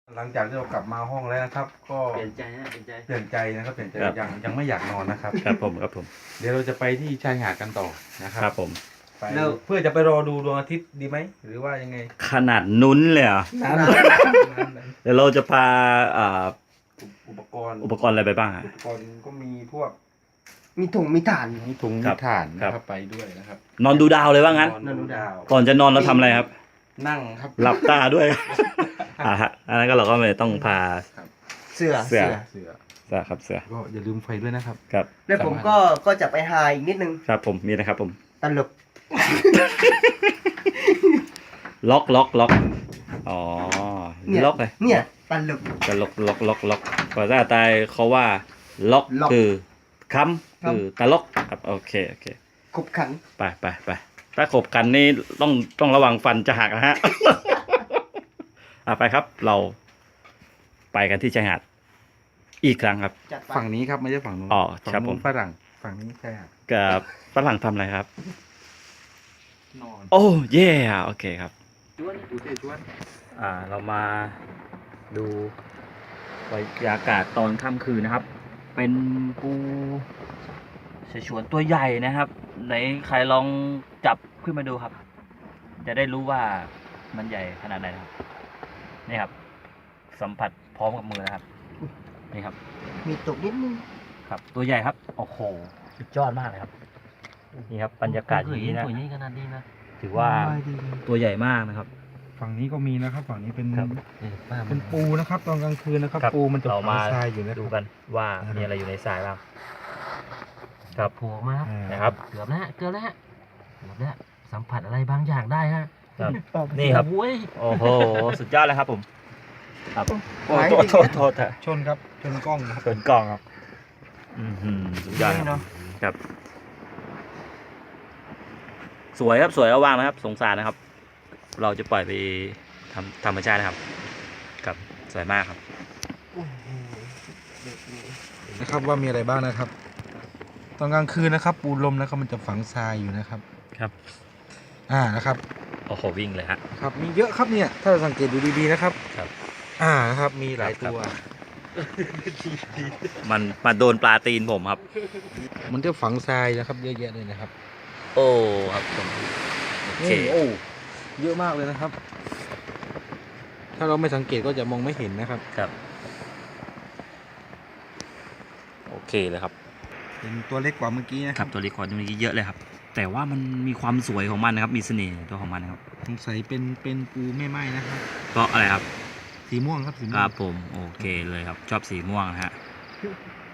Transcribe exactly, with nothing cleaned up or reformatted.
หลังจากที่เรากลับมาห้องแล้วนะครับ ก็เปลี่ยนใจฮะเปลี่ยนใจเปลี่ยนใจนะครับเปลี่ยนใจครับยังยังไม่อยากนอนนะครับครับผมครับผมเดี๋ยวเราจะไปที่ชายหาดกันต่อนะครัครับผมไปเพื่อจะไปรอดูดวงอาทิตย์ดีไหมหรือว่ายังไงขนาดนุ้นเลยเหรอนั้นเดี๋ยวเราจะพาอ่าอุปกรณ์อุปกรณ์อะไรไปบ้างฮะอุปกรณ์ก็มีพวกมีถุงมีถ่านมีถุงครัมีบถ่านครันะบครับไปด้วยนะครับนอนดูดาวเลยว่างั้นนอนดูดาวก่อนจะนอนเราทำอะไรครับนั่งครับหลับตาด้วย อ่าฮะอันนั้นก็เราก็ไม่ต้องพาเสือเสือเสือเสือครับเสือก็อย่าลืมไฟด้วยนะครับครับแล้วผมก็ก็จะไปหาอีกนิดนึงครับผมมีนะครับผมตลกล็อกล็อกล็อกอ๋อเนี่ยล็อกเลยเนี่ยตลกจะล็อกล็อกล็อกล็อกภาษาใต้เขาว่าล็อกล็อกคือค้ำครับคือตลกครับโอเคโอเคขบขันไปไปไปถ้าขบกันนี่ต้องต้องระวังฟันจะหักนะฮะ อ่ะไปครับ เราไปกันที่ชายหาดอีกครั้งครับจัดไปฝั่งนี้ครับไม่ใช่ฝั่งนู้นอ๋อฝั่งครับนู้นผมฝรั่งฝั่งนี้ใช่ครับกับฝรั่งทำอะไรครับนอนโอ้เย่โอเคครับชวนดูเตชวนอ่าเรามาดูบรรยากาศตอนค่ำคืนนะครับ เป็นปูเสฉวนตัวใหญ่นะครับ ไหนใครลองจับขึ้นมาดูครับ จะได้รู้ว่ามันใหญ่ขนาดไหนนะครับนี่ครับ สัมผัสพร้อมกับมือนะครับ นี่ครับมีตกนิดนึงครับ ตัวใหญ่ครับโอ้โหสุดยอดมากเลยครับนี่ครับบรรยากาศอย่างนี้นะตัวนี้ขนาดนี้นะถือว่าตัวใหญ่มากนะครับฝั่งนี้ก็มีนะครับ ฝั่งนี้เป็นครับเออป้ามัเป็น นปูนะครับ ตอนกลางคืนนะครับครับปูมันจะเราฝัมางทรายอยู่นะคดูรับกันว่ามีอะไรอยู่ในทรายบ้างครับโผล่มาครับอ่านะครับเกือบแล้วฮะเกือบแล้วฮะเกือบแล้วสัมผัสอะไรบางอย่างได้ฮะครับนี่ครับโอ้ยโอ้โห สุดยอดเลยครับผม ครับโอ้หายโทษดีโทษโทษเถอะชนครับชนกล้องนะครับเกินกล่องครับ อือหือสุดยอดครับเนาะครับ สวยครับสวยเอาวางนะครับ สงสารนะครับ เราจะปล่อยไปทำธรรมชาตินะครับ ครับสวยมากครับนะครับว่ามีอะไรบ้างนะครับ ตอนกลางคืนนะครับ ปูลมนะครับมันจะฝังทรายอยู่นะครับครับอ่านะครับโอ้โหวิ่งเลยฮะครับมีเยอะครับเนี่ย ถ้าเราสังเกตดูดีๆนะครับครับอ่านะครับมีหลายตัวมันมาโดนปลาตีนผมครับมันจะฝังทรายนะครับ เยอะแยะเลยนะครับโอ้ครับผมโอเคนี่โอ้เยอะมากเลยนะครับ ถ้าเราไม่สังเกตก็จะมองไม่เห็นนะครับครับ โอเคเลยครับเป็นตัวเล็กกว่าเมื่อกี้นะคครัรับบ ตัวรีคอร์ดนี้เยอะเลยครับ แต่ว่ามันมีความสวยของมันนะครับ มีเสน่ห์ตัวของมันนะครับสงสัยเป็นเป็นปูแม่ไม้นะครับก็อะไรครับสีม่วงครับสีม่คว รังบผมโอเคเลยครับ ชอบสีม่วงนะฮะ